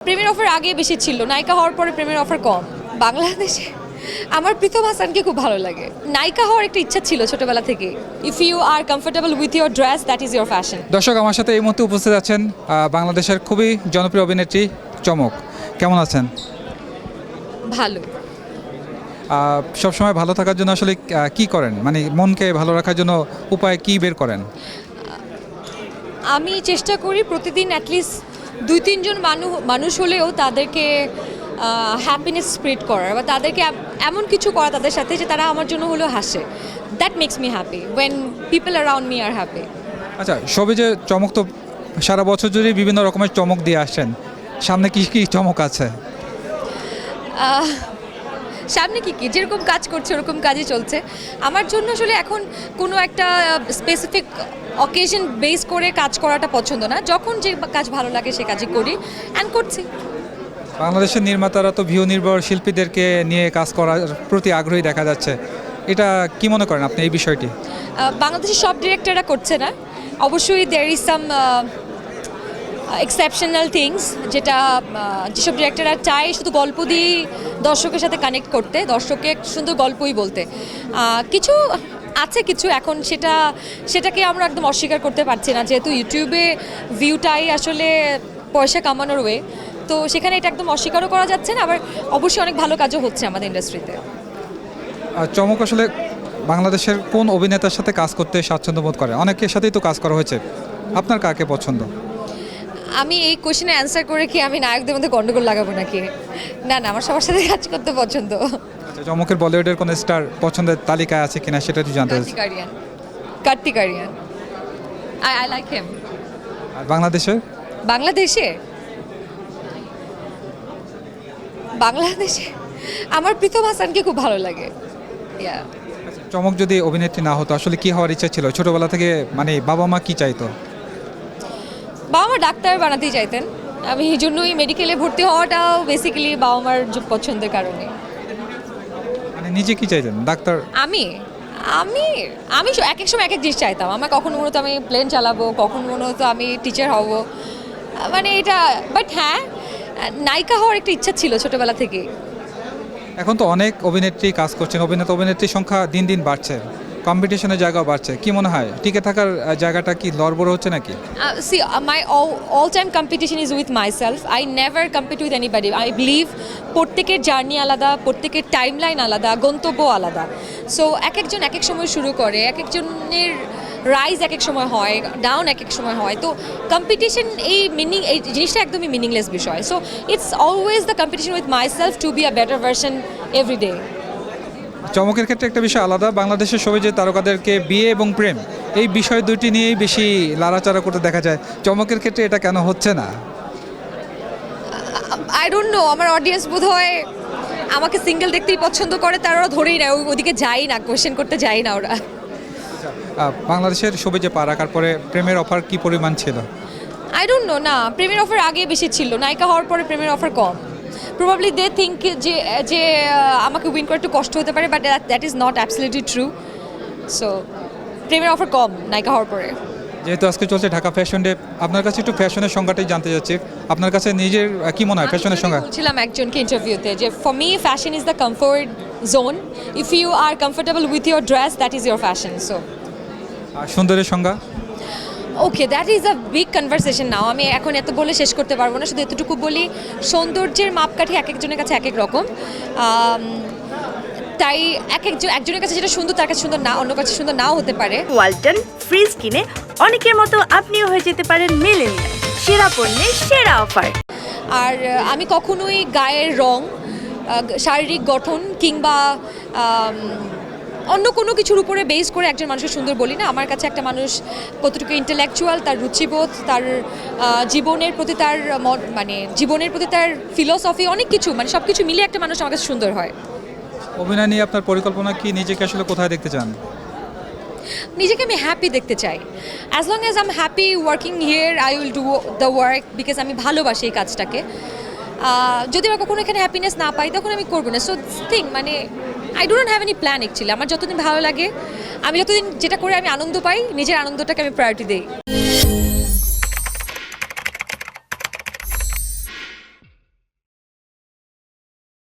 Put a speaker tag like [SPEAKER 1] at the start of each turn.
[SPEAKER 1] প্রেমের অফার আগে বেশি ছিল, নায়িকা হওয়ার পরে প্রেমের অফার কম। বাংলাদেশে আমার প্রীতম হাসানকে খুব ভালো লাগে। নায়িকা হওয়ার একটা ইচ্ছা ছিল ছোটবেলা থেকে। If you are comfortable with your dress, that is your fashion.
[SPEAKER 2] দর্শক, আমার সাথে এই মুহূর্তে উপস্থিত আছেন বাংলাদেশের খুবই জনপ্রিয় অভিনেত্রী চমক। কেমন আছেন?
[SPEAKER 1] ভালো।
[SPEAKER 2] সবসময় ভালো থাকার জন্য আসলে কি করেন, মানে মনকে ভালো রাখার জন্য উপায় কি বের করেন?
[SPEAKER 1] আমি চেষ্টা করি প্রতিদিন অ্যাটলিস্ট 2-3 জন মানুষ হলেও তাদেরকে হ্যাপিনেস স্প্রেড করার, বা তাদেরকে এমন কিছু করা তাদের সাথে যে তারা আমার জন্য হলেও হাসে। That makes me happy when people around me are happy.
[SPEAKER 2] আচ্ছা, সবে যে চমক তো সারা বছর জুড়ে বিভিন্ন রকমের চমক দিয়ে আসছেন, সামনে কি কি চমক আছে?
[SPEAKER 1] সামনে কি যেরকম কাজ করছে ওরকম কাজই চলছে। আমার জন্য আসলে এখন কোনো একটা স্পেসিফিক অকেশন বেস করে কাজ করাটা পছন্দ না। যখন যে কাজ ভালো লাগে সে কাজই করি অ্যান্ড করছি।
[SPEAKER 2] বাংলাদেশের নির্মাতারা তো ভিউ নির্ভর শিল্পীদেরকে নিয়ে কাজ করার প্রতি আগ্রহী দেখা যাচ্ছে, এটা কি মনে করেন আপনি এই বিষয়টি?
[SPEAKER 1] বাংলাদেশের সব ডিরেক্টররা করছে না, অবশ্যই there is some exceptional things, যেটা যেসব ডিরেক্টররা চায় শুধু গল্প দিয়ে দর্শকের সাথে কানেক্ট করতে, দর্শককে সুন্দর গল্পই বলতে। কিছু আছে কিছু এখন সেটাকে আমরা একদম অস্বীকার করতে পারছি না, যেহেতু ইউটিউবে ভিউটাই আসলে পয়সা কামানোর ওয়ে, তো সেখানে এটা একদম অস্বীকারও করা যাচ্ছে না। আবার অবশ্যই অনেক ভালো কাজও হচ্ছে আমাদের ইন্ডাস্ট্রিতে।
[SPEAKER 2] চমক আসলে বাংলাদেশের কোন অভিনেতার সাথে কাজ করতে স্বাচ্ছন্দ্য বোধ করে? অনেকের সাথেই তো কাজ করা হয়েছে, আপনার কাকে পছন্দ?
[SPEAKER 1] আমি এই কোশ্চেনে অ্যান্সার করে কি আমি নায়কদের মধ্যে গন্ডগোল লাগাবো নাকি? না, আমার সবার সাথে কাজ করতে পছন্দ।
[SPEAKER 2] আচ্ছা, চমকের বলিউডের কোন স্টার পছন্দের তালিকায় আছে কিনা সেটা একটু জানতে চাচ্ছি।
[SPEAKER 1] Kartik Aaryan, I like him.
[SPEAKER 2] আর বাংলাদেশে
[SPEAKER 1] আমার প্রীতম হাসানকে খুব ভালো লাগে।
[SPEAKER 2] চমক যদি অভিনেত্রী না হতো আসলে কি হওয়ার ইচ্ছা ছিল ছোটবেলা থেকে, মানে বাবা মা কি চাইতো?
[SPEAKER 1] বাবা মা ডাক্তার বানাতেই চাইতেন, আমি এই জন্যই মেডিকেলে ভর্তি হওয়াটাও বেসিক্যালি বাবা মার পছন্দের কারণে।
[SPEAKER 2] মানে নিজে কি চাইতেন, ডাক্তার?
[SPEAKER 1] আমি আমি আমি এক এক সময় এক এক জিনিস চাইতাম। আমার কখনো মনে হতো আমি প্লেন চালাবো, কখনো মনে হতো আমি টিচার হব, মানে এটা। বাট হ্যাঁ, নায়িকা হওয়ার একটা ইচ্ছা ছিল ছোটবেলা থেকে।
[SPEAKER 2] এখন তো অনেক অভিনেত্রী কাজ করছেন, অভিনেত্রীর সংখ্যা দিন দিন বাড়ছে, কম্পিটিশনের জায়গাও বাড়ছে, কি মনে হয় টিকে থাকার জায়গাটা কি লড়বড় হচ্ছে নাকি?
[SPEAKER 1] See, my all time competition is with myself. I never compete with anybody. I believe প্রত্যেকের জার্নি আলাদা, প্রত্যেকের টাইমলাইন আলাদা, গন্তব্য আলাদা। সো এক একজন এক এক সময় শুরু করে, এক একজনের রাইজ এক এক সময় হয়, ডাউন এক এক সময় হয়। তো কম্পিটিশন এই জিনিসটা একদমই মিনিংলেস বিষয়। So it's always the competition with myself to be a better version every day.
[SPEAKER 2] চমকের ক্ষেত্রে একটা বিষয় আলাদা, বাংলাদেশের সবাই যে তারকাদেরকে বিয়ে এবং প্রেম এই বিষয় দুটি নিয়েই বেশি লাড়াচাড়া করতে দেখা যায়, চমকের ক্ষেত্রে এটা কেন হচ্ছে না?
[SPEAKER 1] আই ডোন্ট নো, আমার অডিয়েন্স বোধ হয় আমাকে সিঙ্গেল দেখতেই পছন্দ করে, তারা ওরা ধরেই না, ওদিকে যাই না, কোয়েশ্চেন করতে যাই না ওরা।
[SPEAKER 2] বাংলাদেশের সবাই যে পা রাখার পরে প্রেমের অফার কি পরিমাণ ছিল?
[SPEAKER 1] আই ডোন্ট নো, না প্রেমের অফার আগে বেশি ছিল, নায়িকা হওয়ার পরে প্রেমের অফার কম। প্রবাবলি দে থিঙ্ক যে আমাকে উইন করে একটু কষ্ট হতে পারে, but that is not absolutely true. So প্রেমের অফার কম নায়িকা হওয়ার পরে।
[SPEAKER 2] যেহেতু আজকে চলছে ঢাকা ফ্যাশন ডে, আপনার কাছে একটু ফ্যাশনের সংজ্ঞাটাই জানতে চাচ্ছি, আপনার কাছে নিজের কি মনে হয় ফ্যাশনের সংজ্ঞা?
[SPEAKER 1] বলছিলাম একজনকে ইন্টারভিউতে যে for me fashion is the comfort zone. If you are comfortable with your dress, that is your fashion. So
[SPEAKER 2] আর সুন্দরের সংজ্ঞা?
[SPEAKER 1] Okay, that is a big conversation now. আমি এখন এত বলে শেষ করতে পারবো না, শুধু এতটুকু বলি সৌন্দর্যের মাপকাঠি এক একজনের কাছে এক এক রকম। তাই একজনের কাছে যেটা সুন্দর তার কাছে সুন্দর না, অন্য কাছে সুন্দর নাও হতে পারে।
[SPEAKER 3] ওয়ালটন ফ্রিজ কিনে অনেকের মতো আপনিও হয়ে যেতে পারেন মিলেনিয়াল। সেরা পণ্যের সেরা অফার।
[SPEAKER 1] আর আমি কখনোই গায়ের রং, শারীরিক গঠন কিংবা অন্য কোনো কিছুর উপরে বেস করে একজন মানুষের সুন্দর বলি না। আমার কাছে একটা মানুষ কতটুকু ইন্টেলেকচুয়াল, তার রুচিবোধ, তার জীবনের প্রতি তার ফিলোসফি, অনেক কিছু, মানে সব কিছু মিলিয়ে একটা মানুষ আমার কাছে সুন্দর হয়।
[SPEAKER 2] অভিনয় নিয়ে আপনার পরিকল্পনা কি, নিজেকে আসলে কোথায় দেখতে চান?
[SPEAKER 1] নিজেকে আমি হ্যাপি দেখতে চাই। As long as I am happy working here, I will do the work, because আমি ভালোবাসি এই কাজটাকে। যদি আমি কখনো এখানে হ্যাপিনেস না পাই তখন আমি করবো না। সো থিং মানে I don't have any plan actually. আমার যতদিন ভালো লাগে, আমি যতদিন যেটা করে আমি আনন্দ পাই, নিজের আনন্দটাকে আমি প্রায়োরিটি দিই।